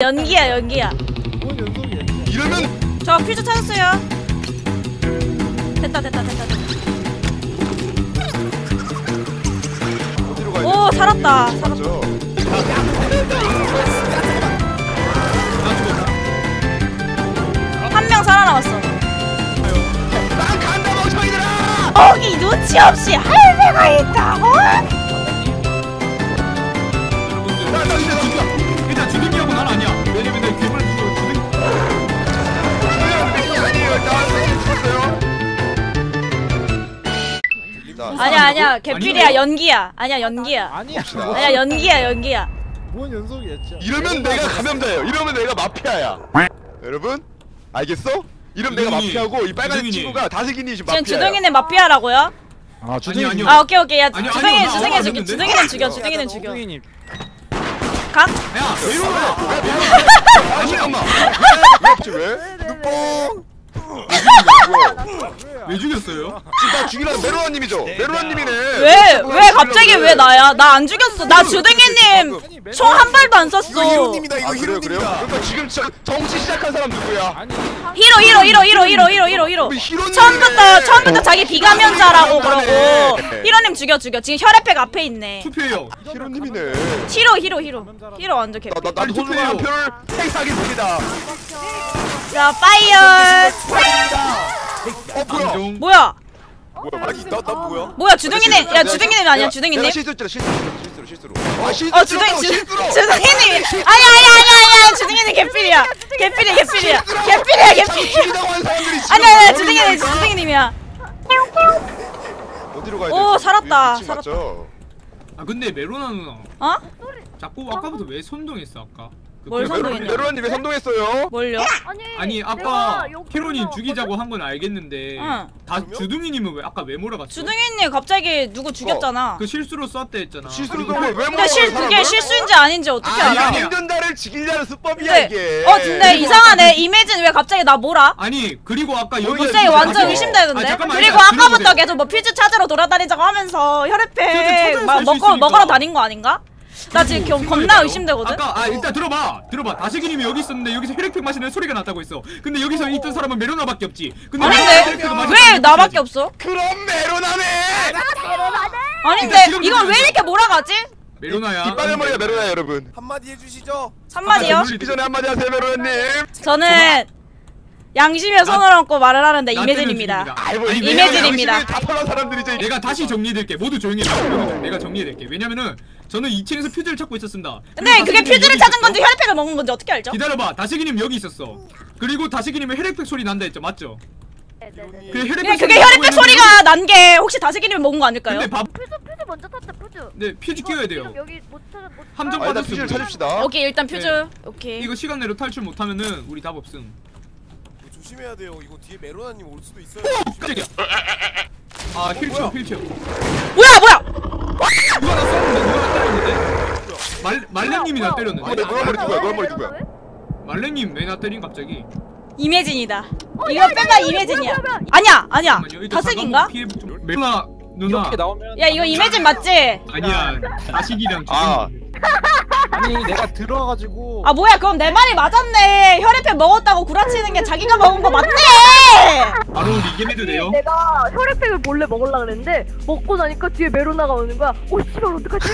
연기야 연기야. 뭔 연속이야? 이러면 저 퓨즈 찾았어요. 됐다. 어디로 가야 오 돼? 살았다. 맞죠? 한 명 살아남았어. 난 간다 멍청이들아! 거기 눈치 없이 할배가 있다고? 나 진짜 죽다. 일단 주둥이하고 난 아니야. 왜냐면 내 괴물 주둥이. 아니에요. 나 아니야 개필이야 연기야. 아니야 연기야. 아니야. 아니야 연기야. 뭔 연속이야 진짜. 이러면 내가 감염자예요. 이러면 내가 마피아야. 여러분 알겠어? 이러면 내가 주둥이. 마피아고 이 빨간 주둥이니. 친구가 다슬기니 지금 지금 마피아야. 주둥이는 마피아라고요? 아 아니, 아니요. 아 오케이 야 아니요, 주둥이 아니요, 주둥이 나 죽여. 알았는데? 주둥이는 죽여. 주둥이님. 각? 야, 왜 이러나? 아 잠깐만. 왜? 눈뽕. 왜 죽였어요? 지금 나 죽이라는 메로나님이죠? 메로나님이네. 왜 갑자기 왜 나야? 나 안 죽였어. 나 주둥이님 총 한 발도 안 이거 썼어. 히로님이다. 이거 히로님이다. 그러니까 지금 정치 시작한 사람 누구야? 아니. 히로. 우리 히로님이네. 처음부터 자기 비감염자라고 그러고 히로님 죽여. 지금 혈액팩 앞에 있네. 투표해요. 히로님이네. 히로 완전 개. 나도 빨리 손으로 한 표를 행사하겠습니다. 자 파이어. 뭐야? 안종. 뭐야? 아니 나 뭐야? 뭐야 주둥이님? 야 주둥이님 아니야 주둥이님? 내가 실수로. 아 실수로. 실수로. 주둥이님. 아니야 주둥이님 개필이야. 개필이야. 죽이자고 하는 사람들이 지금 아니야 머리를 주둥이님이야. 어디로 가야 돼? 오, 살았다. 위치 맞죠? 아 근데 메로나 누나 어? 자꾸 아까부터 왜 선동했어 아까? 그 뭘 메로나- 선동했냐? 메로나님 왜 선동했어요? 뭘요? 아니 아까 히로님 죽이자고 한 건 알겠는데 응. 다 주둥이님은 왜 아까 왜 몰아갔어? 주둥이님 갑자기 누구 죽였잖아. 그 실수로 쐈다 했잖아. 실수로 그리고- 왜 근데 몰아가요, 그게 실수인지 아닌지 어떻게 아니 알아? 아니야. 행전자를 죽이려는 수법이야 근데 이게. 근데 이상하네. 이매진 왜 갑자기 나 몰아? 아니 그리고 아까 여기 갑자기 이거 완전 아니야. 의심되는데. 아, 잠깐만, 그리고 일단 아까부터 들어보세요. 계속 뭐 퓨즈 찾으러 돌아다니자고 하면서 퓨즈 혈액팩 찾아서 막 살수 있으니까. 먹으러 다닌 거 아닌가? 나 지금 겁나 생각해봐요. 의심되거든. 아까 일단 들어봐. 다시기님이 여기 있었는데 여기서 혈액팩 마시는 소리가 났다고 했어. 근데 여기서 있던 사람은 메로나밖에 없지. 근데 아닌데 혈액팩을 마시는 왜 사람이 나밖에 없어야지. 없어? 그럼 메로나네. 아닌데 지금 이건 왜 이렇게 몰아가지? 메로나야. 이빨의 머리가 메로나 여러분. 한마디 해주시죠. 한마디요? 죽기 전에 한마디 하세요 메로나님. 저는 양심의 손을 얹고 말을 하는데 나 이매진입니다. 때는 아이고 아니, 이매진입니다. 다 털한 사람들이죠. 내가 다시 정리해드릴게. 모두 조용히 해요. 내가 정리해드릴게. 왜냐면은 저는 2층에서 퓨즈를 찾고 있었습니다. 근데 그리고 그게 다시기님 퓨즈를 여기 찾은 있었어. 건지 혈액팩을 먹은 건지 어떻게 알죠? 기다려봐. 다시기님 여기 있었어. 그리고 다시기님은 혈액팩 소리 난다 했죠. 맞죠? 그 혈액팩 그게 소리 혈액팩 나고 소리가 난 게 혹시 다슬기님이 먹은 거 아닐까요? 근데 밥 퓨즈 먼저 탔다 퓨즈. 네, 퓨즈 끼워야 돼요. 지금 여기 못 찾아 못. 함정 아, 일단 받았어. 퓨즈를 찾읍시다. 오케이 일단 퓨즈 네. 오케이. 이거 시간 내로 탈출 못하면은 우리 답 없음. 이거 조심해야 돼요. 이거 뒤에 메로나님 올 수도 있어요. 깜짝이야. 아 휠체어. 뭐야? 누가 나 쐈는데? 누가 나 때렸는데? 말랭님이 나 때렸는데? 노란 머리 누구야? 노란 머리 누구야? 말랭님 왜 나 때린 갑자기? 이매진이다. 이거 빼봐 이매진이야. 아니야 잠깐만요. 일단 다슬기인가? 잠깐만 피해 좀. 메로나 누나. 이렇게 나오면 야 이거 이매진 맞지? 아니야. 다식이랑 아. 아니 내가 들어가가지고 아 뭐야 그럼 내 말이 맞았네. 혈액팩 먹었다고 구라치는 게 자기가 먹은 거 맞네. 바로 리겜해도 돼요? 내가 혈액팩을 몰래 먹으려 그랬는데 먹고 나니까 뒤에 메로나가 오는 거야. 오 씨발 어떡하지?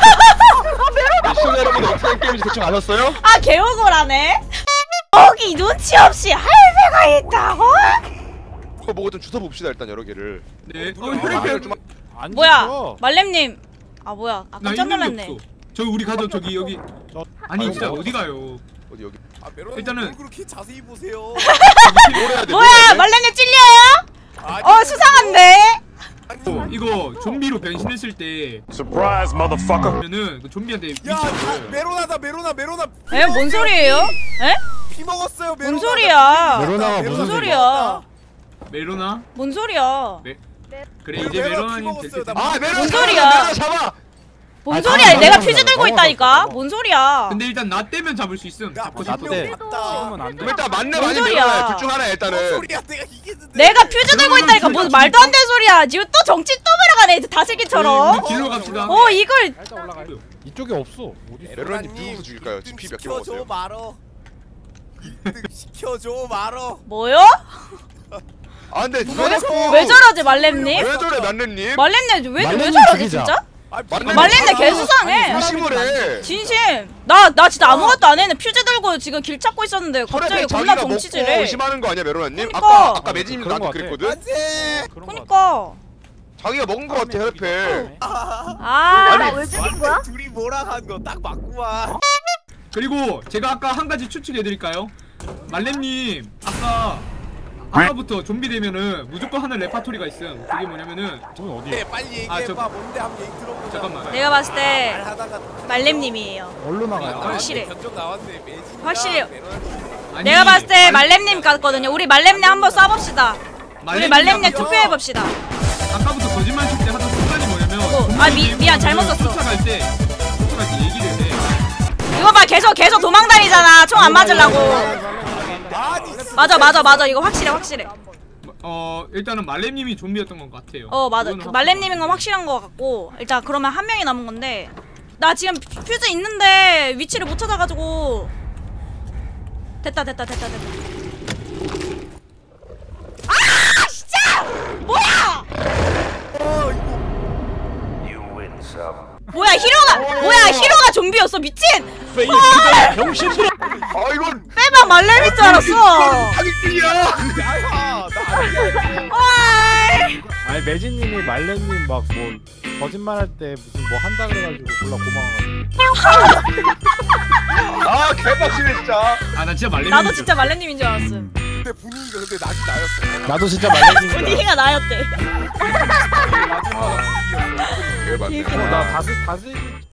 시청자 여러분 어떻게 된 게임인지 대충 아셨어요? 아 개억울하네. 거기 눈치 없이 할배가 있다고? 그거 보고 좀 주워 봅시다 일단 여러 개를. 네. 혈액팩을 좀 안 뭐야 죽여. 말렘님. 아 뭐야 아 나 깜짝 있는 게 놀랐네. 없어. 저 우리 가죠 저기 여기. 아니 진짜 아이고. 어디 가요? 어디 여기. 아 메로나님 일단은- 뭘 그렇게 자세히 보세요. 노래해야 돼. 뭐야 말렘님 찔려요? 아니, 수상한데? 이거 좀비로 변신했을 때 Surprise, motherfucker. 그러면은 그 좀비한테 위치 야 보여요. 메로나다 메로나. 에? 뭔 소리예요? 에? 피 먹었어요 메로나. 뭔 소리야? 메로나가 무슨 소리야? 메로나? 뭔 소리야? 그래 이제 메로나님 될 때. 아 메로나 뭔 잡아, 소리야? 메로나 잡아. 뭔 아, 소리야? 잠깐만, 내가 잠깐만, 퓨즈 들고 잠깐만. 있다니까? 뭔 소리야? 근데 일단 나 떼면 잡을 수 있음. 야 잡고 나도 싶어. 돼. 맞다. 찍으면 안 돼. 그럼 일단 맞네 뭔 많이 소리야? 메로나야. 둘중 하나 뭔 일단은. 소리야 내가 이겼는데. 내가 퓨즈 들고 있다니까 무슨 말도 안 되는 소리야. 지금 또 정치 또 말아가네 다슬기처럼. 우리 길로 갑시다. 이걸 일단 올라가요. 이쪽에 없어. 어디 있어? 메로나님 누구서 죽일까요? 지금 피 몇 개 먹었어요? 시켜줘 말어. 1등 시켜줘 말어. 뭐요? 아 근데 왜 자꾸 왜 저러지 말렘님? 왜 저래 만렙님? 말렘님 왜 말렘님 저러지 죽이자. 진짜? 말렘님 말렘님 개수상해. 의심을 해. 진심. 나 진짜 아무것도 안 했는데 퓨즈 들고 지금 길 찾고 있었는데 갑자기 혈액팩 겁나 자기가 먹고 덩치질해. 의심하는 거 아니야 메로나님? 그러니까. 아까 매진님도 그런 나한테 거 같아. 그랬거든? 안돼. 그런 거 같아. 그니까. 자기가 먹은 거 같아 혈액팩. 아. 나 왜 죽인 거야? 둘이 뭐랑 한 거 딱 맞구만. 그리고 제가 아까 한 가지 추측해드릴까요? 말렘님 아까부터 좀비 되면은 무조건 하는 레파토리가 있음. 그게 뭐냐면은 저건 어디야? 네, 빨리 얘기해봐. 뭔데 한번 얘기 들어보자. 잠깐만. 내가 봤을 때 말하다가 말렘님이에요. 얼로 나가요? 확실해. 견적 나왔네. 매진이랑 확실해요. 메로나님. 아니, 내가 봤을 때 말렘님 같거든요. 우리 말렘님 한번 쏴봅시다. 우리 말렘님 투표해봅시다. 아까부터 거짓말 칠 때 하던 습관이 뭐냐면 아, 미안, 잘못 썼어. 쫓아갈 때 얘기를 해. 이거 봐 계속 도망다니잖아. 총 안 맞으려고. 아니 맞아. 이거 확실해. 일단은 말렘님이 좀비였던 것 같아요. 맞아. 이거는 말렘님인 건 확실한 것 같고 일단 그러면 한 명이 남은 건데 나 지금 퓨즈 있는데 위치를 못 찾아가지고 됐다. 아 진짜 뭐야? 뭐야 히로가 좀비였어 미친. 아 이건 빼박 말렘인 줄 알았어. 사기꾼이야. 아야 나 아니야. 어이. 아니 매진님이 말렘님 막 뭐 거짓말할 때 무슨 뭐 한다 그래가지고 졸라 고마워가지고. 아 개빡치네 진짜. 나 진짜 말렘님. 나도 진짜 말렘님인 줄 알았음. 근데 분위기가 근데 낙이 나였어. 나도 진짜 말렘님. 분위기가 나였대. 마지막 분위기였어. 개맞네. 개웃기다. 나 다스